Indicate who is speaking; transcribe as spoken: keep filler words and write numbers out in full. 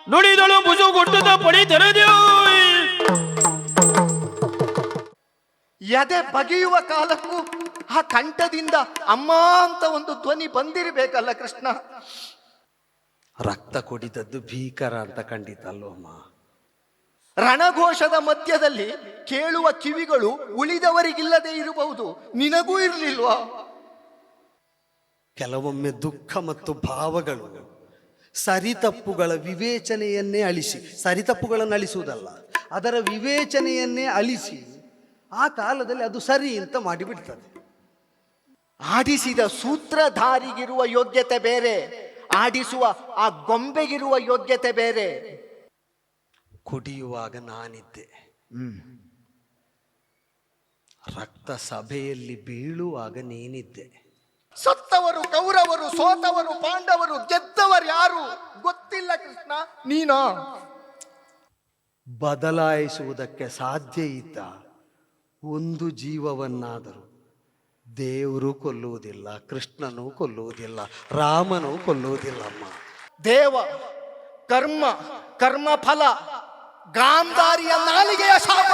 Speaker 1: ನುಡಿದಳು ಮುಸುಗುಟ್ಟದ ಪಡಿ ತೆರೆದೆವು.
Speaker 2: ಎದೆ ಬಗೆಯುವ ಕಾಲಕ್ಕೂ ಆ ಕಂಠದಿಂದ ಅಮ್ಮ ಅಂತ ಒಂದು ಧ್ವನಿ ಬಂದಿರಬೇಕಲ್ಲ ಕೃಷ್ಣ.
Speaker 3: ರಕ್ತ ಕುಡಿದದ್ದು ಭೀಕರ ಅಂತ ಖಂಡಿತ ಅಲ್ವಮ್ಮ.
Speaker 2: ರಣಘೋಷದ ಮಧ್ಯದಲ್ಲಿ ಕೇಳುವ ಕಿವಿಗಳು ಉಳಿದವರಿಗಿಲ್ಲದೆ ಇರಬಹುದು, ನಿನಗೂ ಇರಲಿಲ್ವಾ?
Speaker 3: ಕೆಲವೊಮ್ಮೆ ದುಃಖ ಮತ್ತು ಭಾವಗಳು ಸರಿತಪ್ಪುಗಳ ವಿವೇಚನೆಯನ್ನೇ ಅಳಿಸಿ, ಸರಿತಪ್ಪುಗಳನ್ನು ಅಳಿಸುವುದಲ್ಲ, ಅದರ ವಿವೇಚನೆಯನ್ನೇ ಅಳಿಸಿ ಆ ಕಾಲದಲ್ಲಿ ಅದು ಸರಿ ಅಂತ ಮಾಡಿಬಿಡ್ತದೆ.
Speaker 2: ಆಡಿಸಿದ ಸೂತ್ರಧಾರಿಗಿರುವ ಯೋಗ್ಯತೆ ಬೇರೆ, ಆಡಿಸುವ ಆ ಗೊಂಬೆಗಿರುವ ಯೋಗ್ಯತೆ ಬೇರೆ.
Speaker 3: ಕುಡಿಯುವಾಗ ನಾನಿದ್ದೆ, ರಕ್ತ ಸಭೆಯಲ್ಲಿ ಬೀಳುವಾಗ ನೀನಿದ್ದೆ.
Speaker 2: ಸತ್ತವರು ಕೌರವರು, ಸೋತವರು ಪಾಂಡವರು, ಗೆದ್ದವರು ಯಾರು ಗೊತ್ತಿಲ್ಲ ಕೃಷ್ಣ, ನೀನಾ?
Speaker 3: ಬದಲಾಯಿಸುವುದಕ್ಕೆ ಸಾಧ್ಯ ಇದ್ದ ಒಂದು ಜೀವವನ್ನಾದರೂ ದೇವರು ಕೊಲ್ಲುವುದಿಲ್ಲ, ಕೃಷ್ಣನೂ ಕೊಲ್ಲುವುದಿಲ್ಲ, ರಾಮನೂ ಕೊಲ್ಲುವುದಿಲ್ಲಮ್ಮ.
Speaker 2: ದೇವ ಕರ್ಮ, ಕರ್ಮ ಫಲ, ಗಾಂಧಾರಿಯ ನಾಲಿಗೆಯ ಶಾಪ